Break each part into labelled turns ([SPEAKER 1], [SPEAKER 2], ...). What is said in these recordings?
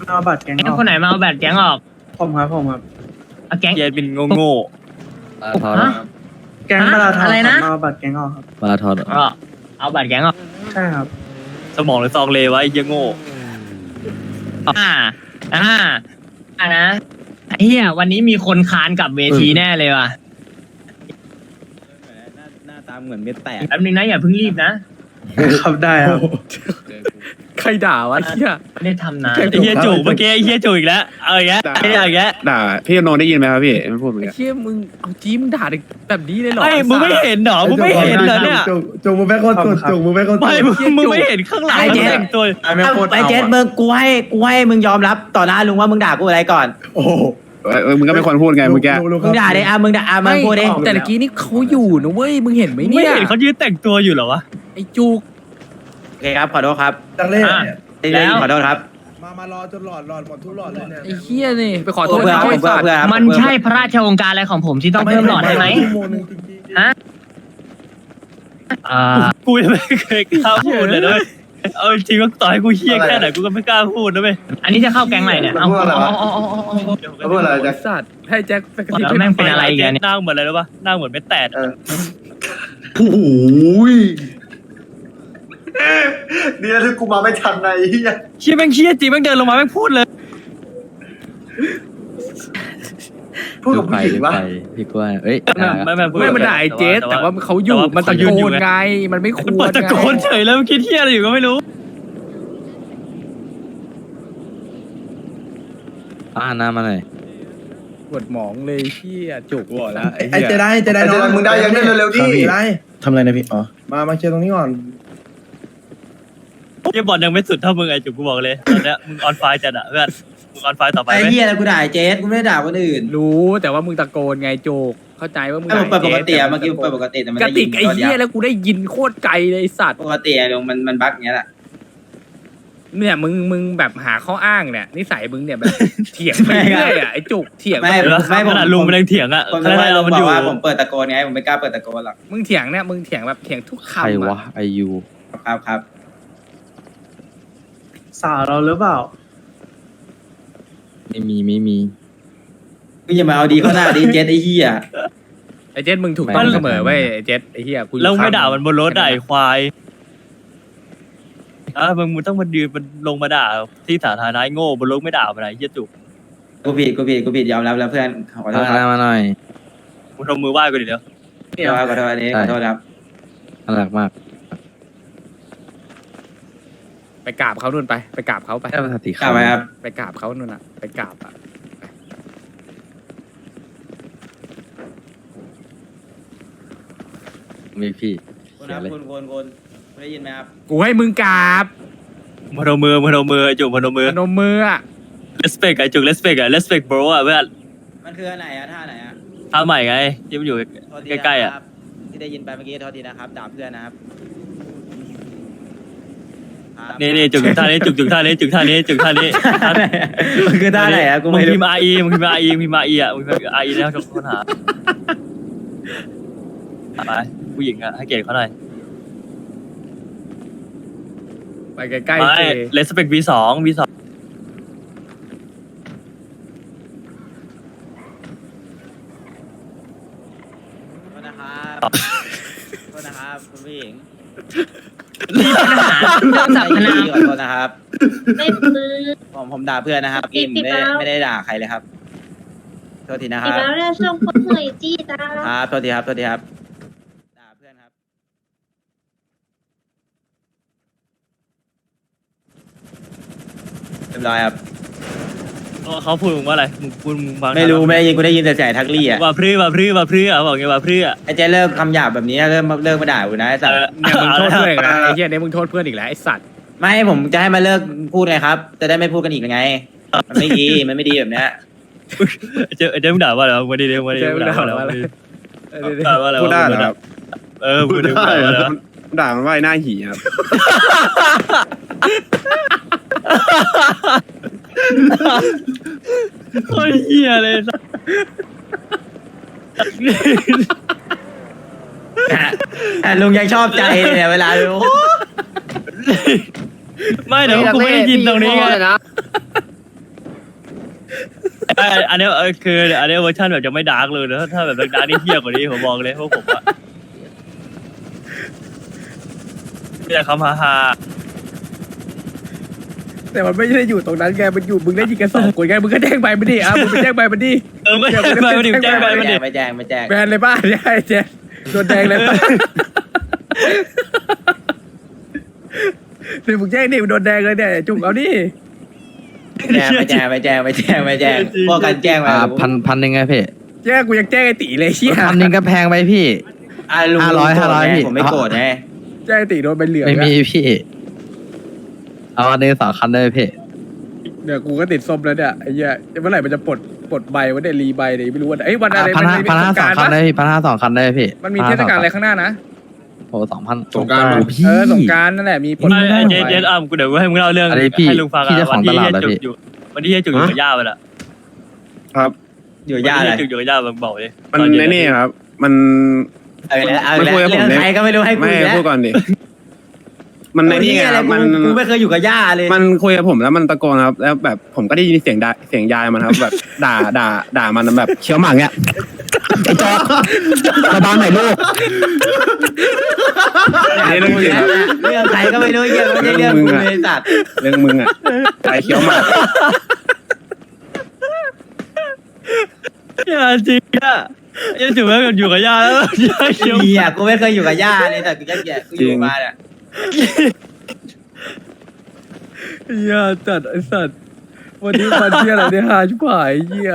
[SPEAKER 1] เอาบัตรแก๊งอ
[SPEAKER 2] งั้น
[SPEAKER 1] อก
[SPEAKER 2] คนไหนมาเอาแบตแก๊งออก
[SPEAKER 1] ผมครับ
[SPEAKER 2] เอาแก๊ง
[SPEAKER 3] เกียร์เป็นโง่
[SPEAKER 2] ฮะ
[SPEAKER 1] แก๊งมาราธอน
[SPEAKER 2] อะไรนะ
[SPEAKER 1] เอาบัตรแก๊งออกครับ
[SPEAKER 4] มาราธอน
[SPEAKER 2] ก็เอาแบตแก๊งออก
[SPEAKER 1] ใช่ครับ
[SPEAKER 3] สมองหรือซองเลวะไอ้เหี้ยโง่
[SPEAKER 2] อ่านะไอ้เหี้ยวันนี้มีคนคานกลับเวทีแน่เลยว่ะ
[SPEAKER 4] หน้าตาเหมือนเม็ดแตก
[SPEAKER 2] แป๊บนึงนะอย่าเพิ่งรีบนะครับ
[SPEAKER 1] ได้ครับ
[SPEAKER 4] ใครด่าวะเฮีย
[SPEAKER 2] ไม่ได้ทำนาน
[SPEAKER 3] ไอ้เหี้ยจูบเมื่อกี้ไอ้เหี้ยจูบอีกแล้วเอาอีกแล้วไอ้เหี้ยอีกแล้ว
[SPEAKER 5] ด่าพี่โนได้ยินไหมครับพี่ไม่พูดเหมือน
[SPEAKER 4] ไอ้
[SPEAKER 5] กัน
[SPEAKER 4] เฮียมึงเอาจี้มึงด่าแบบนี้เลยเหรอ
[SPEAKER 3] ไอ้มึงไม่เห็นเหรอมึงไม่เห็นเหรอเนี่ย
[SPEAKER 6] จุงมึงไม่คนสุดจุงมึงไม่คนสุด
[SPEAKER 3] ไม่มึงไม่เห็นข้างหลังเขาแต่งตัว
[SPEAKER 7] ไอ้เจสมึงกูให้มึงยอมรับต่อหน้าลุงว่ามึงด่ากูอะไรก่อน
[SPEAKER 6] โอ้โห
[SPEAKER 5] มึงก็เป็นคนพูดไงเมื่อกี้
[SPEAKER 7] มึงด่าเลยมึงด่ามึ
[SPEAKER 4] ไม่
[SPEAKER 7] งพูดดิ
[SPEAKER 4] แต่เมื่อกี้นี่เขาอยู่นะเว้ยมึงเห็นไหม
[SPEAKER 3] มึง
[SPEAKER 4] เนี่
[SPEAKER 3] ไม่
[SPEAKER 4] ย
[SPEAKER 3] เห็นเขายืนแต่งตัวอยู่เหรอวะ
[SPEAKER 4] ไอ้จุก
[SPEAKER 7] โอเคครับขอโทษครับ
[SPEAKER 6] จังเล่
[SPEAKER 2] แล้ว
[SPEAKER 7] ขอโทษครับ
[SPEAKER 6] มารอจนหลอดหมดทุกหลอดเลยเนี่ย
[SPEAKER 4] ไอ้เฮียนี่ไปขอโทษ
[SPEAKER 7] เพื่อ
[SPEAKER 4] เขาไอ้สัตว์
[SPEAKER 7] เพื่อครับ
[SPEAKER 2] มันใช่พระราชโองการอะไรของผมที่ต้องเพิ่มหลอดให้ไหม
[SPEAKER 6] ชั่วโงนึงจริงๆ
[SPEAKER 2] ฮะ
[SPEAKER 3] กูยังไม่เคยกล้าพูดเลยด้วยเอาจริงว่าต่อให้กูเหี้ยแค่ไหนกูก็ไม่กล้าพูดนะเว้ย
[SPEAKER 2] อันนี้จะเข้าแก๊งไหนเนี่ยเอา
[SPEAKER 6] แล้วพูดอะไร
[SPEAKER 4] ไอ้
[SPEAKER 6] จ๊ะ
[SPEAKER 4] สัตว์ให้แจ็คไปกระ
[SPEAKER 2] แล้วแม่งเป็นอะไรอีกันเนี่ย
[SPEAKER 3] หน้าเหมือนอะไรรู้ป่ะหน้าเหมือนเม็ดแตก
[SPEAKER 6] โอ้โหดีนะที่กูมาไม่ทันในเฮีย
[SPEAKER 3] เชี่ยแม่งเชี่ยจริงแม่งเดินลงมาแม่งพูดเลย
[SPEAKER 6] พูดกับผู้หญิงวะ
[SPEAKER 4] พี่กล้วยเอ้ย
[SPEAKER 3] ไม่
[SPEAKER 4] ไม่มันด่าไอ้เจสแต่ว่าเขาอยู่มันตะโกนไงมันไม่คว
[SPEAKER 3] มัน
[SPEAKER 4] ร
[SPEAKER 3] เปิดตะโกนเฉยแล้วมันคิดเที่ยอะไรอยู่ก็ไม่รู้
[SPEAKER 4] น้ำมาหน่อยปวดหมองเลยเฮียจุก
[SPEAKER 5] บอกแล้ว
[SPEAKER 6] ไอ้เจได้น้องมึงได้ยังได้เร็วๆดิได้
[SPEAKER 8] ทำอะไรนะพี่ อ๋อ
[SPEAKER 6] มาเคลียร์ตรงนี้ก่อน
[SPEAKER 3] เยี่ยบอลยังไม่สุดเท่ามึงไอ้จุกกูบอกเลยตอนเนี้ยมึงออนไฟจัดอะเพื่อนมึงออนไฟต่อไป
[SPEAKER 7] ไอ้
[SPEAKER 3] ไหม
[SPEAKER 7] เหี้ยกูด่าเจสกูไม่ได้ด่าคนอื่น
[SPEAKER 4] รู้แต่ว่ามึงตะโกนไงจุกเข้าใจว่ามึง
[SPEAKER 7] ไอ้ผมเปิดปกติเมื่อกี้เปิดปกติแต่มัน
[SPEAKER 4] กระติกไอ้เฮียแล้วกูได้ยินโคตรไกลเลยไอ้สัตว์
[SPEAKER 7] ปกติลุงมันบั๊กอย่างเงี้ยแหละ
[SPEAKER 4] เนี่ยมึงแบบหาข้ออ้างเนี่ยนิสัยมึงเนี่ยแบบเถียงไปเรื่อยอ่ะไอ้จุกเถียง
[SPEAKER 7] ไม่
[SPEAKER 3] ขนาดลุงมันยังเถียงอะ
[SPEAKER 7] คน
[SPEAKER 3] ขนา
[SPEAKER 7] ไม่
[SPEAKER 3] ด
[SPEAKER 7] ลุ
[SPEAKER 3] เรา
[SPEAKER 7] ง
[SPEAKER 3] มัน
[SPEAKER 7] บ
[SPEAKER 3] อ
[SPEAKER 7] อก
[SPEAKER 3] ยู่
[SPEAKER 7] ว่าผมเปิดตะโกนไงผมไม่กล้าเปิดตะโกนหรอก
[SPEAKER 4] มึงเถียงเนี่ยมึงเถียงแบบเถียงทุกคำ
[SPEAKER 8] ใครวะ
[SPEAKER 4] อะ
[SPEAKER 8] ไอยู
[SPEAKER 7] ครับ
[SPEAKER 1] สาวเราหรือเปล่า
[SPEAKER 4] ไม่มี
[SPEAKER 7] มึงอย่ามาเอาดีเข้าหน้าดิเจสไอ้เหี้ย
[SPEAKER 4] ไอ้เจสมึงถูกต้องเสมอเว้ยไอ้เจสไอ้เหี้ยกูอยู่
[SPEAKER 3] แล้วไม่
[SPEAKER 4] ข้ง
[SPEAKER 3] ด่ามันบนรถด่าไอ้ควายมึงต้องมายืนมันลงมาด่าที่สาธารณะไอ้โง่บนรถไม่ด่ามันไอ้เหี้ยจุก
[SPEAKER 7] กูผิดยอมรับแล้วเพื่อนขอโทษครับ
[SPEAKER 4] มาหน่อย
[SPEAKER 3] มึงทำมือไหว้กูดิเดี๋ยว
[SPEAKER 7] ขอโทษอันนี้ขอโทษครับ
[SPEAKER 4] น่ารักมาก ไปกราบเขานู่นไปกราบเขาไป
[SPEAKER 8] แค่ภาษาติ
[SPEAKER 7] กลับไปครับ
[SPEAKER 4] ไปกราบเขานู่นอ่ะไปกราบอ่ะมีพี่
[SPEAKER 7] คุณครับคุณได้ยินไหมครับ
[SPEAKER 4] กูให้มึงกราบ
[SPEAKER 3] พนมมือไอ้จุกพนมมือ
[SPEAKER 4] พนมมืออ่ะ
[SPEAKER 3] respect ไอ้จุก respect อะ respect bro อะเพื่อน
[SPEAKER 7] มันคืออันไหนอะท่าไหนอะ
[SPEAKER 3] ท่าใหม่ไงที่มันอยู่ใกล้ๆอะ
[SPEAKER 7] ที่ได้ยินไปเมื่อกี้โทษทีนะครับด่าเพื่อนนะครับ
[SPEAKER 3] นี่จุกท่านี้จุกท่านี้
[SPEAKER 7] มันคือท่าไหนอะกู
[SPEAKER 3] มึง
[SPEAKER 7] ไม่รู้
[SPEAKER 3] พิมพ์ RE มึงพิมพ์ RE มึงพิมพ์ RE อ่ะมึงพิมพ์ RE แล้วทุกคนหาไปผู้หญิงอ่ะให้เกียรติเขาหน่อย
[SPEAKER 4] ไปใกล้
[SPEAKER 3] ไม่
[SPEAKER 4] ๆเจ
[SPEAKER 3] respect V2
[SPEAKER 7] โทษนะครับโทษนะครับคุณผู้หญิง
[SPEAKER 2] มีปัญหาเรื่องสรรพนาม
[SPEAKER 7] ขอโทษนะครับ
[SPEAKER 9] ไม่ปืน
[SPEAKER 7] ผมด่าเพื่อนนะครับกิม
[SPEAKER 9] ติดแล้ว
[SPEAKER 7] ไม่ได้ด่าใครเลยครับโทษทีนะค
[SPEAKER 9] อี
[SPEAKER 7] รั
[SPEAKER 9] ก
[SPEAKER 7] บ
[SPEAKER 9] แล้วเนี่ยช่วงคนเหนื่อยจี้ตา
[SPEAKER 7] ครับโทษทีครับด่าเพื่อนครับเรียบร้อยครับ
[SPEAKER 3] เขาพูดมึงว่าอะไรมึงพูดมึงฟัง
[SPEAKER 7] ไม่รู้ไม่ได้ยินกูได้ยินแต่เสียงทักลี่อ่ะ
[SPEAKER 3] ว่าพรือบอกไงว่าพรือ
[SPEAKER 7] ไอ้เจ๊เลิกคำหยาบแบบนี้เริ่มมาด่ากูนะไอ้สัตว์
[SPEAKER 4] เนี่ยมึงโทษเพื่อนอีกแล้วไอ้เหี้ยเนี่ยมึงโทษเพื่อนอีกแล้วไอ้สัตว์
[SPEAKER 7] ไม่ผมจะให้มาเลิกพูดไงครับ จะได้ไม่พูดกันอีกไง มันไม่ดีแบบเนี้ย
[SPEAKER 3] เจ๊มึงด่าว่าอะไรมาดิเดี๋ยวมาดิด่าว่าอะไรด่าว่าอะไร
[SPEAKER 5] พูดได้เหรอครับ
[SPEAKER 3] พูดได้
[SPEAKER 5] ด่ามันว่าไอ้หน้าหีครับ
[SPEAKER 3] โคตรเหี้ยเลย
[SPEAKER 7] แต่ลุงยังชอบใจเนี่ยเวลาดู
[SPEAKER 3] ไม่เดี๋ยวกูไม่ได้ยินตรงนี้ไงอันนี้คืออันนี้เวอร์ชันแบบจะไม่ดาร์กเลยนะถ้าแบบดาร์กนี่เหี้ยกว่านี้ผมบอกเลยพวกผมอะไม่อยากคำฮา
[SPEAKER 4] แต่มันไม่ได้อยู่ตรงนั้นไงมันอยู่มึงได้ยิงกัน2 คนไงมึงก็แจ้งไปมันดิมึงไปแจ้งไปมันดิ
[SPEAKER 3] ไม่แจ้งไปมันดิแจ้งไปมันดิ
[SPEAKER 7] ไม่แจ้ง
[SPEAKER 4] แบนเลยป่ะใช่เจ๊โดนแดงเลยป่ะเดี๋ยวมึงแจ้งดิมึงโดนแดงเลยเนี่ยจุกเอาดิ
[SPEAKER 7] ไม่แจ้งพวกกันแจ้งไป
[SPEAKER 8] พันหนึ่งไงพี่
[SPEAKER 4] แจ้งกูยังแจ้งไอ้ตีเลยเชี่ย
[SPEAKER 8] พันหนึ่งก็แพงไปพี่
[SPEAKER 7] ลุง
[SPEAKER 8] 500พี่
[SPEAKER 7] ผมไม่โกรธไง
[SPEAKER 4] แจ้งไอ้ตีโดนใบเหลือง
[SPEAKER 8] ไม่มีพี่ เอาอันนี้2 คันได้พี่
[SPEAKER 4] เดี๋ยวกูก็ติดส้มแล้วเนี่ยไอ้เหี้ยเมื่อไหร่มันจะปลดใบวะเนี่ยรีใบเนี่ยไม่รู้ว่าไอ้วันอะไร
[SPEAKER 8] พันห้า
[SPEAKER 4] เทศ
[SPEAKER 8] 2
[SPEAKER 4] กาล
[SPEAKER 8] คัน
[SPEAKER 4] ปะ
[SPEAKER 8] ได้พี่1,500 2 คันได้พี่
[SPEAKER 4] มันมีเทศกาลอะไรข้างหน้านะ
[SPEAKER 8] โอ้2,000
[SPEAKER 5] สงกรานต์
[SPEAKER 8] โอ้พี่
[SPEAKER 4] สงกรารนั่นแหละมีปลด
[SPEAKER 3] เจ๊กูเดี๋ยวให้มึงเล่าเรื่อง
[SPEAKER 8] อะไรพี่
[SPEAKER 3] ให้ลุงฟัง
[SPEAKER 8] พี่เจ้าของตลาดเหรอพี่
[SPEAKER 3] วันที่จุกอยู่กับย่าไปละ
[SPEAKER 5] ครับ
[SPEAKER 7] อยู่ย่าอะไร
[SPEAKER 3] จุกอยู่กับย่ามึงบอกเลย
[SPEAKER 5] มันในนี่ครับ มัน
[SPEAKER 7] เอาแล้ว
[SPEAKER 5] ไม่คุยกับผม
[SPEAKER 7] เรื่อง
[SPEAKER 5] เลย
[SPEAKER 7] ใครก็ไม่รู้ให้กู
[SPEAKER 5] ไม่
[SPEAKER 7] แล้ว
[SPEAKER 5] พูดก่อนดิมันในนี่ไง
[SPEAKER 7] อะไร
[SPEAKER 5] มัน
[SPEAKER 7] กูไม่เคยอยู่กับย่าเลย
[SPEAKER 5] มันคุยกับผมแล้วมันตะโกนครับ แล้วแบบผมก็ได้ยินเสียงยายมันครับ แบบด่ามันแบบเคี้ยวหมากเงี้ยไอ้จอกระบาดไหนลูก นี่เรื่องจริงครับ
[SPEAKER 7] เรื่องใครก็ไม่รู้เหี้ยไม่ใช่เรื่องกูเลยสัตว์
[SPEAKER 5] เรื่องมึงอ่ะไอ้เคี้ยวหมาก
[SPEAKER 3] ย่าจริงอ่ะยังจุกแล้วอยู่กับย่าแล้วย่าเคี้ยว
[SPEAKER 7] เหี้ยกูไม่เคยอยู่กับย่าเลยแต่กูจะแย่กูอยู่มาเนี่ย
[SPEAKER 4] เหี้ยจัดไอ้สัตว์วันนี้วันเที่ยอะไรเนี่ยหาชิบหายเหี้ย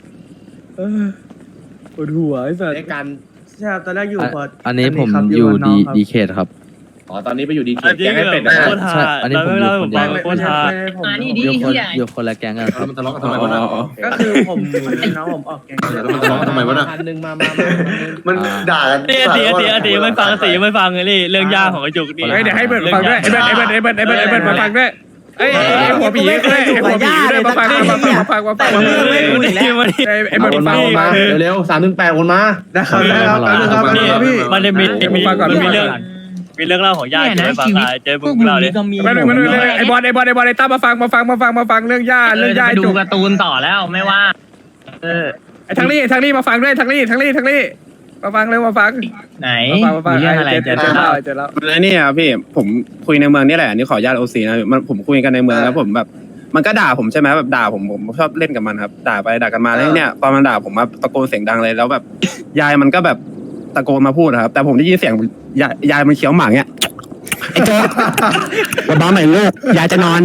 [SPEAKER 4] ปวดหัวไอ้สัตว์
[SPEAKER 1] ในการใช่ครับตอนแรกอยู่พอ
[SPEAKER 8] อันนี้ผม
[SPEAKER 1] ครับ
[SPEAKER 8] อยู่
[SPEAKER 1] กับน้งครับ
[SPEAKER 8] ดีเคทครับ
[SPEAKER 4] อ๋อตอนนี้ไปอยู่ดีเค
[SPEAKER 3] จริง
[SPEAKER 4] แกงให้เป็ด
[SPEAKER 3] แบบ
[SPEAKER 4] นะ
[SPEAKER 3] โคตรฮา
[SPEAKER 8] อันนี้ผม
[SPEAKER 3] เล่าให้ผมฟัง
[SPEAKER 1] ไม่
[SPEAKER 3] โคตรฮา
[SPEAKER 1] ผม
[SPEAKER 2] นี่ดิ
[SPEAKER 8] อยู่คนละแก๊งกันครับ
[SPEAKER 6] มันทะเลาะกันทำไมวะนะ
[SPEAKER 1] ก็คือผมน้องผมออกแกง
[SPEAKER 6] มันทะเลาะกันทำไมวะนะมันด่ากัน
[SPEAKER 3] ตีไม่ฟังตีไม่ฟังเลยนี่เรื่องย่าของไอ้จุกนี่
[SPEAKER 4] เฮ้ยเดี๋ยวให้เบิร์ดมาฟังด้วยไอ้เบิร์ดมาฟังด้วยไอ้หัวผีด้วยหัวผีด้วยมาฟังมาฟัง
[SPEAKER 7] แต่เรื่องไม่รู้อีกแล้ว
[SPEAKER 4] ไอ้เบิร์ดมาฟังมา
[SPEAKER 6] เร็วๆ3-8คนมา
[SPEAKER 1] นะครับครับพี่
[SPEAKER 3] มันจะมีเรื่องเล่าของย่าเจ๊ฟังเจ๊มึงเล่าเลย
[SPEAKER 4] ไอ้บอลไอ้ตั้มมาฟังเรื่องย่า
[SPEAKER 2] ไปดู
[SPEAKER 4] จุก
[SPEAKER 2] การ์ตูนต่อแล้วไม่ว่า
[SPEAKER 4] ไอ้ทั้งนี้มาฟังด้วยทั้งนี้มาฟังเร็วมาฟัง
[SPEAKER 2] ไหน
[SPEAKER 4] มาฟัง
[SPEAKER 2] มีเรื่องอะไร
[SPEAKER 4] เจอแล้ว
[SPEAKER 5] ในนี่ครับพี่ผมคุยในเมืองนี่แหละนี่ขออนุญาตโอซีนะมันผมคุยกันในเมืองแล้วผมแบบ มันก็ด่าผมใช่ไหมแบบด่าผมชอบเล่นกับมันครับ ด่าไปด่ากันมาแล้วเนี่ยตอนมันด่าผมมาตะโกนเสียงดังเลยแล้วแบบ ยายมันก็แบบตะโกนมาพูดครับ แต่ผมได้ยินเสียงยายมันเคี้ยวหมากเนี่ยไอ้โจ๊กระบ้าใหม่ลูกยายจะนอน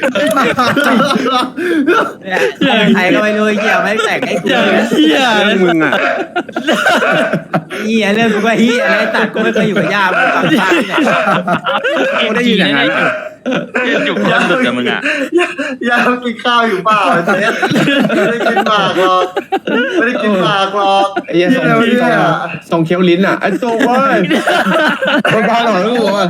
[SPEAKER 7] ใครก็ไม่รู้เหี้ยไม่แต่งให้กูเลย
[SPEAKER 3] เฮีย
[SPEAKER 5] เรื่องมึงอ่ะ
[SPEAKER 7] เหี้ยเรื่องกูก็เหี้ยอะไรสัตว์กูไม่เคยอยู่กับย่ามึงฟังข้างเนี่ย
[SPEAKER 5] กูได้ยินอย่างนั้น
[SPEAKER 3] จุกยันดุดกับมึงอ่ะ
[SPEAKER 6] ยากินข้าวอยู่เปล่าเจ๊ไม่ได้กินหมากหรอกไม่ได้กินหมากหรอก
[SPEAKER 5] ไอ้ยังส่งเคี้ยวลิ้นอ่ะไอ้โจ๊กเว้ยบ้าหน่อยลูกอ่ะ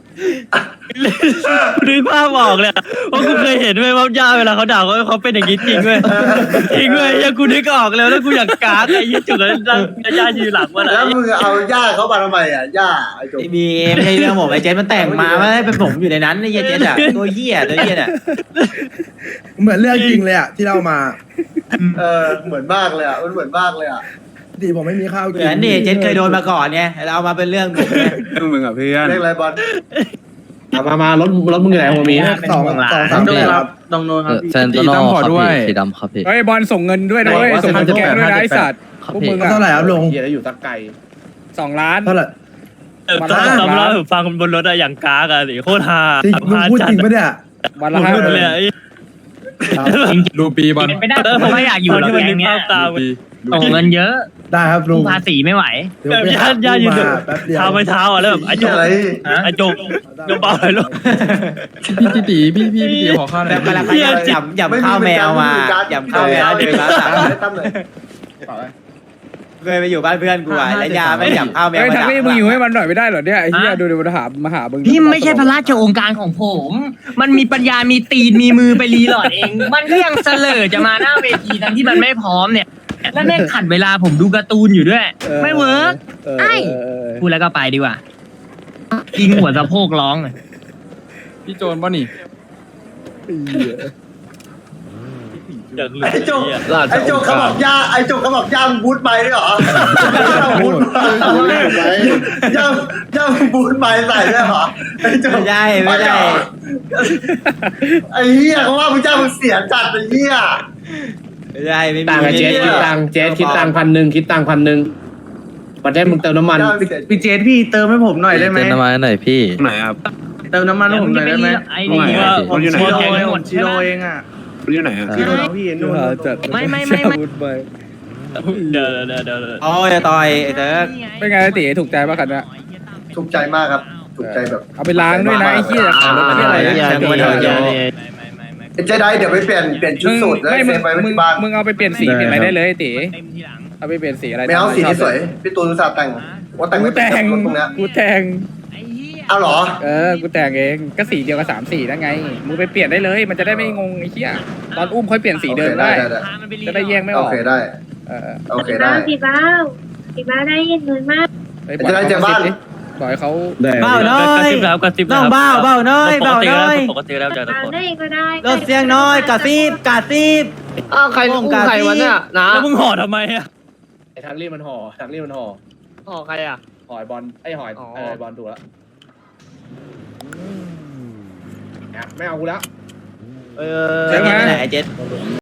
[SPEAKER 3] นึกภาพออกเลยเพราะกูเคยเห็นเว้ยว่าย่าเวลาเขาด่าเขาเป็นอย่างนี้จริงเว้ยยังกูนึกออกแล้วกูอยากกากไอ้ยี่จุกแล้วย่ายืนหลังมัน
[SPEAKER 6] แล้วมึงเอาย่าเขามาทำไมอ่ะย่าไอ้จุก
[SPEAKER 7] ไม่มีไม่ใช่เรื่องผมไอ้เจนมันแต่งมาไม่ให้เป็นผมอยู่ในนั้นไอ้เหี้ยเจนอะตัวเหี้ยเนี่ย
[SPEAKER 1] เหมือนเรื่องจริงเลยอ่ะที่เรามา
[SPEAKER 6] เหมือนมากเลยอ่ะมันเหมือนมากเลยอ่ะ
[SPEAKER 1] ดีผมไม่มีข้าว
[SPEAKER 7] เห
[SPEAKER 1] กิ
[SPEAKER 7] มือนนี่เจนเคยโดนมาก่อนไงเราเอามาเป็นเรื่องผมไง
[SPEAKER 5] เรื่องมึงอ่ะเพื่อน
[SPEAKER 6] เรียกอะไรบอล
[SPEAKER 5] มารถมึงอยู่ไหนหัวมี
[SPEAKER 1] 2-3ปีครับตรงโน้นครับ
[SPEAKER 8] เซนโตโน่ครับพี่สีดำครับพี่
[SPEAKER 4] เฮ้ยบอลส่งเงินด้วยนะเว้ยส่งเงินแกงด้วยนะไอ้สัตว์
[SPEAKER 8] ครับ
[SPEAKER 4] พวก
[SPEAKER 8] พี่
[SPEAKER 4] มึง
[SPEAKER 1] เท่าไหร่ครับลุง
[SPEAKER 6] เฮียแล้วอยู่ตะไก่
[SPEAKER 4] 2 ล้าน
[SPEAKER 1] เท่าไหร่
[SPEAKER 3] ตอนเราฟังบนรถอะอย่างกากอะสิโคตรฮา
[SPEAKER 1] จริงลุงพูดจริงปะเนี่ย
[SPEAKER 4] วันละ
[SPEAKER 3] พูด
[SPEAKER 4] 5
[SPEAKER 3] เลย
[SPEAKER 8] ดูปีบอล
[SPEAKER 2] เป็นไปได้ผมไม่อยากอยู่หรอก
[SPEAKER 3] ที่มัน
[SPEAKER 2] แก๊
[SPEAKER 3] นึ
[SPEAKER 2] ง
[SPEAKER 3] ก
[SPEAKER 2] เนี้ย
[SPEAKER 3] ภาพตาม
[SPEAKER 2] ส่งเงินเยอะ
[SPEAKER 1] ได้ครับลุ
[SPEAKER 2] สู้
[SPEAKER 1] ง
[SPEAKER 2] ภาษีไม่ไหว
[SPEAKER 1] เดี๋ยวไปห
[SPEAKER 3] ย่ายืน
[SPEAKER 1] มาแป๊บเดียว
[SPEAKER 3] เท้าไปเท้าอะแล้วแบบไอ้จุก
[SPEAKER 6] อะไร
[SPEAKER 3] ไอ้จุกยกเบาเลยลูก
[SPEAKER 8] พี่ตีพี่ขอข้าวหน่
[SPEAKER 7] แต่
[SPEAKER 8] อย
[SPEAKER 7] เวลาเขาหยับข้าวแมวมาหยับข้าวแมวเดินมาสั่ง
[SPEAKER 6] ไม่ตั้มเลย
[SPEAKER 7] เคยไปอยู่บ้านเพื่อนกูอ่ะแล้วยาไม่หยับข้าวแมว
[SPEAKER 4] เฮ้ย
[SPEAKER 7] มา
[SPEAKER 4] ทั้งนี้มึงอยู่ให้มันหน่อยไม่ได้เหรอเนี่ยไอ้เหี้ยดูมาหามึง
[SPEAKER 2] พี่ไม่ใช่พระราชโองการของผม มันมีปัญญา มีตีน มีมือไปรีหลอดเอง มันก็ยังเสลอจะมาหน้าเวทีทั้งที่มันไม่พร้อมเนี่ย แล้วแม่งขัดเวลาผมดูการ์ตูนอยู่ด้วย ไม่เวิร์ก ไอ้ พูดแล้วก็ไปดีกว่ายิงหัวสะโพกร้องเลย
[SPEAKER 8] พี่โจนป่ะนี่
[SPEAKER 4] ม
[SPEAKER 3] อย่างเหลือ
[SPEAKER 6] ไอ้จุก
[SPEAKER 3] เหี้ย
[SPEAKER 6] ไอ้จุกเขาบอกย่าไอ้จุกเขาบอกย่ามึงบูทไปด้วยเหรอย่าบูทไปย่ามึงบูทไปใส่ด้วยเหรอไอ้จุก
[SPEAKER 7] ไม่ได้ไม่ได้
[SPEAKER 6] ไอ้เหี้ยเขาว่ามึงย่ามึงเสียจัดไอ้เหี้ย
[SPEAKER 7] ไม่ได้ไม่มี
[SPEAKER 5] ต่างกับเจสคิดตังค์เจสคิดตังค์1,000คิดตังค์1,000ประเทศมึงเติมน้ำมัน
[SPEAKER 1] พี่เจสพี่เติมให้ผมหน่อยได้ไหม
[SPEAKER 8] เติมน้ำมันหน่อยพี่
[SPEAKER 5] ไหนครับ
[SPEAKER 1] เติมน้ำมันให้ผมหน่อยได้ไหม
[SPEAKER 2] ไอ้นี่ว่าผม
[SPEAKER 5] อยู่ไหน
[SPEAKER 2] ชิโร่หมด
[SPEAKER 1] ชิโร่เองอ่ะ
[SPEAKER 5] รู้อยู่ไหนครับ
[SPEAKER 1] ชิโร่พี่นู่น
[SPEAKER 2] ไม่
[SPEAKER 3] เดี๋ยว
[SPEAKER 7] โอ้ยต่อยไอ้เติร์ก
[SPEAKER 4] เป็นไงตีถูกใจป่ะคันเนี้ย
[SPEAKER 6] ถูกใจมากครับถูกใจแบบ
[SPEAKER 4] เอาไปล้างด้วยนะไอ้เหี้ยขายรถเหี้ยอะไรเนี่ย
[SPEAKER 6] ไอ้เจไดเดี๋ยวไปเปลี่ยนชุดสูตรแล้ว
[SPEAKER 4] ไม่
[SPEAKER 6] เซ
[SPEAKER 4] มึง
[SPEAKER 6] ฟไว้
[SPEAKER 4] มึง
[SPEAKER 6] ที่บ้าน
[SPEAKER 4] มึงเอาไปเปลี่ยนสีเปลี่ยนอะไรได้เลยตี
[SPEAKER 2] เต็มทีหลัง
[SPEAKER 4] เอาไปเปลี่ยนสีอะไร
[SPEAKER 6] ไม่เอาสีนี้สวยพี่ตูนอุตส่าห์แต่งว่าแต่ง
[SPEAKER 4] กู
[SPEAKER 6] ไม่
[SPEAKER 4] แต่ง
[SPEAKER 6] รถตรงเนี้ย
[SPEAKER 4] กูแต่ง
[SPEAKER 2] ไอ้เหี้ย
[SPEAKER 6] เอาเหรอ
[SPEAKER 4] กูแต่งเองก็สีเดียวกับ3 สีนั่นไงมึงไปเปลี่ยนได้เลย มันจะได้ไม่งงไอ้เหี้ยตอนอุ้มค่อยเปลี่ยนสีเดิมได้
[SPEAKER 2] พามันไปรี
[SPEAKER 4] จะได้แยกไม่อ
[SPEAKER 6] โอ
[SPEAKER 4] อก
[SPEAKER 6] เคได้
[SPEAKER 4] เออ
[SPEAKER 6] โอเคได้
[SPEAKER 9] พี่บ้าวพี่บ้าวได้ยินเลยมาก
[SPEAKER 4] ไปปล่อย
[SPEAKER 6] จะได้เจอบ้าน
[SPEAKER 4] ปล่อยเขา
[SPEAKER 7] เบ้าน้อก
[SPEAKER 3] ระ
[SPEAKER 7] ย
[SPEAKER 3] ซิบแล้วกระซิบ
[SPEAKER 7] น้
[SPEAKER 3] แล้
[SPEAKER 7] อ
[SPEAKER 3] ว
[SPEAKER 7] งเบ้าเบ้าน้อยเบ้าน้อย
[SPEAKER 3] ปกติแล้วจากทุก
[SPEAKER 9] เอา
[SPEAKER 3] คน
[SPEAKER 9] ได้ก็ได้
[SPEAKER 7] ลดเสียงน้อยกระซิบกระซิบ
[SPEAKER 3] ใครอุ้มใครวะเนี่ยนะแล้วมึงห่อทำไมอ่ะ
[SPEAKER 5] ไอ้ทางรีบมันห่อทางรีบมันห่อ
[SPEAKER 3] ห่อใครอ่ะ
[SPEAKER 5] ห่อยบอลไอ้ห่อยบอลถูกแล้วไม่เอากูแล้ว
[SPEAKER 7] เจ๊ไปไหนเจ๊